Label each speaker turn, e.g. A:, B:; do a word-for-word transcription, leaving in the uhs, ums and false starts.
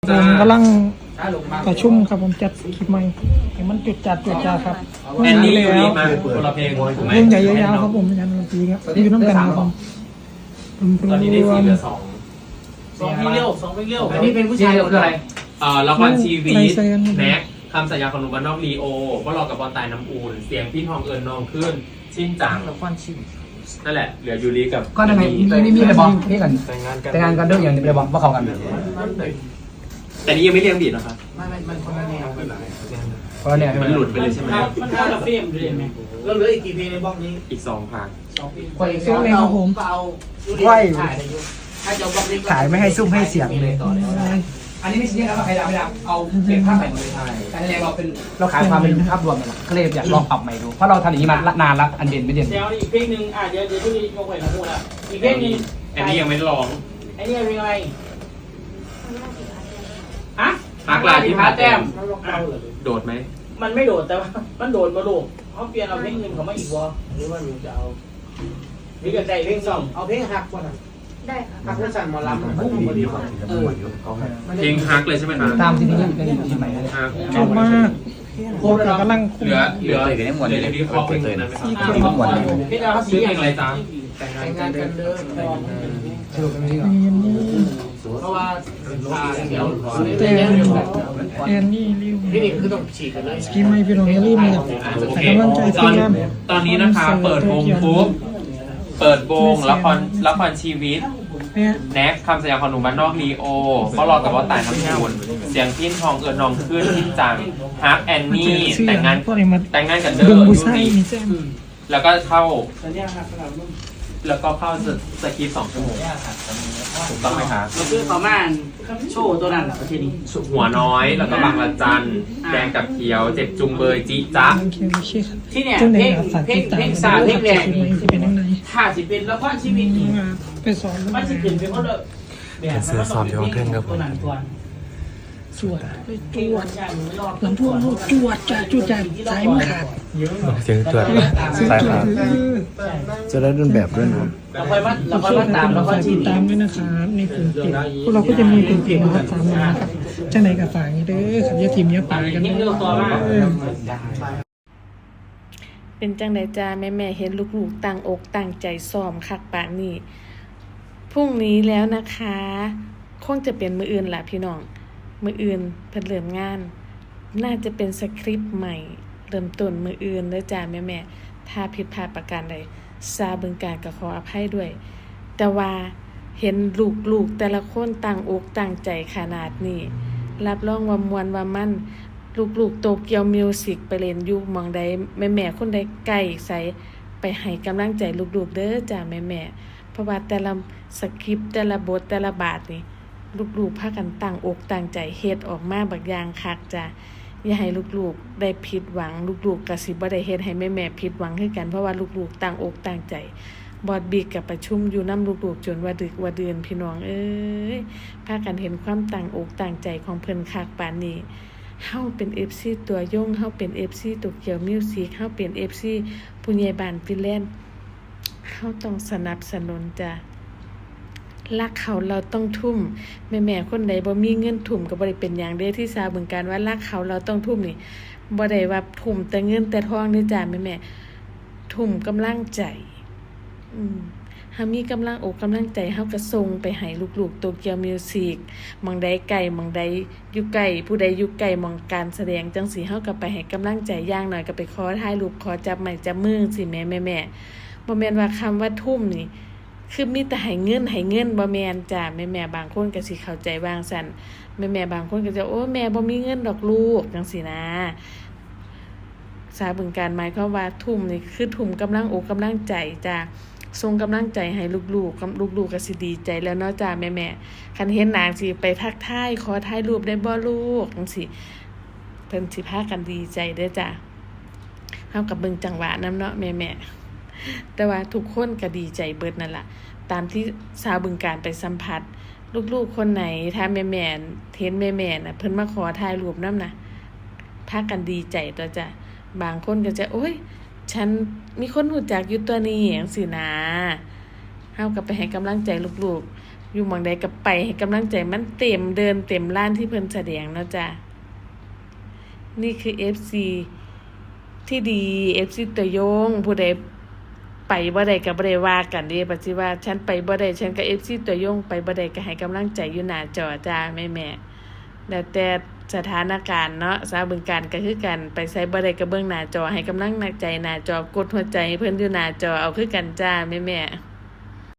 A: ผมกำลังประชุมครับผมจัดคลิปใหม่ให้มันจุดจัดจุดจ้าครับ
B: แอนนี่
A: แล้
B: อยู่นี่
A: ว
B: มาคนละเพลงถูกไหม
A: เรื่องใหญ่ยาวๆครับผมยันดนตรีครับอยู่น้ำกันครับผม
B: ตอนนี้ได้สี่เหลือสอง
C: สองเพลงเร็วสองเพลงเร็ว
D: อันนี้เป็นผู้ชายคืออะไร
B: เอ่อละครชีวิตแน็กคำสัญญาของหนุ่มบ้านนอกลีโอก็รอกับบอลตายน้ำอูนเสียงพี่ทองเอิญนองขึ้นชินจัง
C: ละครชีวิต
B: นั่นแหละเหลือยูริกับ
D: ก็ทำไมมีมีมีแต่บอกพี่กัน
B: แต่งงานกัน
D: แต่งานกันด้วยอย่างนี้ไปบอกว่าเขากัน
B: แต่นี้ยังไม่เรียงบีดนะครับ
C: ไม่ไม่มันคนละแนว
D: เพราะเนี่ย
B: มันหลุดไปเลยใช่ไหม
C: มันคนละเฟรมเลยไหมแล้วเหลืออีกกี่เพลงในบล็อกนี้
B: อีกสองพาง
C: สองเพลง
D: คนอีก
C: สอง
D: เพล
C: เพล
D: ง
C: ง
D: ครับผม
C: ก็เอา
D: ไหว
C: ถ่ายได้อยู่ถ้าจะบล็อกนี้
D: ขายไม่ให้ซุ่มให้เสียงเลยอันนี้ไม่ใช่ครับใครดาวไม่ดาวเอาเป็นภาพใหม่หมดเลยแต่ในเราเป็นเราขายความเป็นภาพรวมกันก็เลยอยากลองปรับใหม่ดูเพราะเราทำอย่างนี้มานานแล้วอันเด่นไม่เด่น
C: เดี๋ยวอีกเพลงหนึ่งอ่ะเดี๋ยวเดี๋ยวที่ยกไว้นะพูดอ่ะอีกเพลงหนึง
B: อันนี้ยังไม่ได้ร้อง
C: ไอ้นี่เพลงอะไรฮะ
B: ฮักลายที่พาแต้ม
C: มันลงเอาเหรอ
B: โดดไหม
C: มันไม่โดดแต่ว่ามันโดดมาลูกเขาเปลี่ยนเอาเพลงหนึ่งเขามาอีกวะหรือว่าหนูจะเอาหรือจะใจเพลงสองเอาเพลงหักก่อนอ่ะ
E: ได้ค่ะ
C: หักเพื่อสั่นหมอลำพุ่งพอดีเออ
B: เพลงฮักเลยใช่ไหมครับ
D: ตามที่นี่เป็นที่ใหม่เลย
B: ฮัก
A: ชอบมากผมกำลัง
B: เหลือเหลือเหลือยูริคอเพลงนั้นไหมครับ
C: เพลงอะไร
B: ชื่อเพลงอะไรจ๊ะ
C: แต่งงานกันเด้อ
D: ชื่อเป็นที่
A: แอนนี่
C: เพราะว่าอ่าเดี๋ยว
A: แต่
C: เดี๋ยวเดี๋ยวเดี๋ยว
A: แอนนี่ริว
C: พี่นี่คือต้องฉีดกันเลย
A: สกีไม่พี่น้องอย่าลืมนะครับ
B: โอ
A: แต่
B: เค
A: กำลังใจ
B: ต
A: ที
B: อ
A: ม
B: น
A: งาน
B: ตอนนี้นะคะเปิดวงปุ๊บเปิดวงละครละครชีวิต
A: เนี่ย
B: แน็กคำสัญญาของหนุ่มบ้านนอกลีโอก็รอกับว่าตายน้ำมูลเสียงพิ้นทองเอิญนองขึ้นที่จังฮักแอนนี่แต่งงาน
A: พวกนี้มา
B: แต่งงานกันเด้อ
A: ดึงบุ
B: ยู
A: ษไซ
B: ริ
A: นี่แจ้ง
B: แล้วก็เข้า
C: สัญญาหักสลับรุ่น
B: แล้วก็เข้าสคริปต์สองชั่วโมงถูกต้องไหมคะ
C: ก็คือประมาณโชว์ตัวนั้นประเทศนี้
B: หัวน้อยแล้วก็บางละจันแดงกับเขียวเจ็บจุงเบยจิจ๊ะ
A: โอเคโอเคครับ
C: ที่เนี่ย
A: จังไหน
C: เพลง
A: ครับฝาก
C: เพล
A: ติ
C: ง
A: ดตาม
C: เพลงสาเพลงแรก
A: คลิปใหม่ที่เป็นยังไง
C: ถ้าสิเป็นละครชีวิตนี่
A: ไปสอน
C: มันจะเป็นเป็นคนละแบบมันต้องเป็นเพลงตัวนั้นก่อน
A: สวดไปจ
C: เพลง
A: ว
C: วั
A: ด
C: นจันทร์ไม่รอด
A: ลำพวงลูกจวดจ่าจุดจ่าสายมือขาด
F: เสียงตรวจ
A: เสียง
F: สาย
A: จว
F: ขา
A: ด
F: ด
A: เออ
F: จะได้รุ่นแบบด้วยนะ
C: เราค่อยมาเราค่อยมาตามละครชี
A: ติด
C: วิต
A: ตามด้วยนะครับในกลุ่มเพจพวกเราก็จะมีกลุ่มเพจนะครับตามมาครับจังไหนกับฝากนี้เด้อขับยาทีมเนี้ยป่ากัน
C: ยิ่ง
A: เด้
C: เร็วตัวมาก
A: อ
E: เป็นจังไดจ้าแม่แม่เห็นลูกๆตั้งอกตั้งใจซ้อมคักปานนี้พรุ่งนี้แล้วนะคะ คงจะเป็นมืออื่นล่ะพี่น้องมืออื่นเพิ่นเริ่มงาน น่าจะเป็นสคริปต์ใหม่ เริ่มต้นมืออื่นเด้อจ้าแม่แม่ถ้าผิดพลาดประการใดซาบึงการก็ขออภัยด้วย แต่ว่าเห็นลูกๆแต่ละคนตั้งอกตั้งใจขนาดนี้รับรองว่ามวนว่ามัน ลูกๆโตเกียวมิวสิกไปเล่นอยู่หมองใดแม่ๆคนใดใกล้ใสไปให้กำลังใจลูกๆเด้อจ้าแม่ๆเพราะว่าแต่ละสคริปต์แต่ละบทแต่ละบาทนี่ลูกๆพากันตั้งอกตั้งใจเฮ็ดออกมาบักอย่างคักจ้ะอย่าให้ลูกๆได้ผิดหวังลูกๆก็สิบ่ได้เฮ็ดให้แม่ๆผิดหวังคือกันเพราะว่าลูกๆตั้งอกตั้งใจบอดบีกกับประชุมอยู่นำลูกๆจนว่าดึกว่าเดือนพี่น้องเอ้ยพากันเห็นความตั้งอกตั้งใจของเพิ่นคักปานนี้เฮาเป็น เอฟ ซี ตัวยงเฮาเป็น เอฟ ซี โตเกียวมิวสิกเฮาเป็น เอฟ ซี ผู้ใหญ่บ้านฟินแลนด์เฮาต้องสนับสนุนจ้ะรักเขาเราต้องทุ่มแม่ๆคนใดบ่มีเงินทุ่มก็บ่ได้เป็นหยังเด้ที่ซาบึงการว่ารักเขาเราต้องทุ่มนี่บ่ได้ว่าทุ่มแต่เงินแต่ทองนี่จ้ะแม่ๆทุ่มกำลังใจอืมเฮามีกำลังอกกำลังใจเฮาก็ส่งไปให้ลูกๆโตเกียวมิวสิกหม่องใดไกลหม่องใดอยู่ไกลผู้ใดอยู่ไกลหม่องการแสดงจังซี่เฮาก็ไปให้กำลังใจอย่างน้อยก็ไปขอถ่ายรูปขอจับไม้จับมือสิแม่แม่ๆบ่แม่นว่าคำว่าทุ่มนี่คือมีแต่ให้เงินให้เงินบ่แม่นจ้ะแม่ๆบางคนก็สิเข้าใจวางซั่นแม่ๆบางคนก็จะโอ้แม่บ่มีเงินดอกลูกจังซี่นะสาบึงการหมายความว่าทุ่มนี่คือทุ่มกำลังอกกำลังใจจ้ะส่งกำลังใจให้ลูกๆกับลูกๆก็สิดีใจแล้วเนาะจ้าแม่ๆคันเห็นนางสิไปทักทายขอถ่ายรูปได้บ่ลูกจังซี่เพิ่นสิพากันดีใจเด้อจ้าเฮากับเบิ่งจังหวะนำเนาะแม่ๆแต่ว่าทุกคนก็ดีใจเบิดนั่นล่ะตามที่ชาวบึงการไปสัมผัสลูกๆคนไหนถ้าแม่ๆเห็นแม่ๆน่ะเพิ่นมาขอถ่ายรูปนำน่ะพากันดีใจตัวจ้ะบางคนก็จะโอ๊ยฉันมีคนรู้จักอยู่ตัวนี้จังซี่นะเฮาก็ไปให้กำลังใจลูกๆอยู่หม่องใดก็ไปให้กำลังใจมันเต็มเดินเต็มล้านที่เพิ่นแสดงเนาะจ้ะนี่คือ เอฟ ซี ที่ดี เอฟ ซี ตัวยงผู้ใดไปบ่ได้ก็บ่ได้ว่ากันเด้ปัจจุบันฉันไปบ่ได้ฉันก็ เอฟ ซี ตัวยงไปบ่ได้ก็ให้กำลังใจอยู่หน้าจอจ้าแม่ๆแล้วแต่สถานการณ์เนาะสาวบึงการก็คือกันไปไสบ่ได้ก็เบิ่งหน้าจอให้กำลังใจหน้าจอกดหัวใจเพิ่นอยู่หน้าจอเอาคือกันจ้าแม่ๆ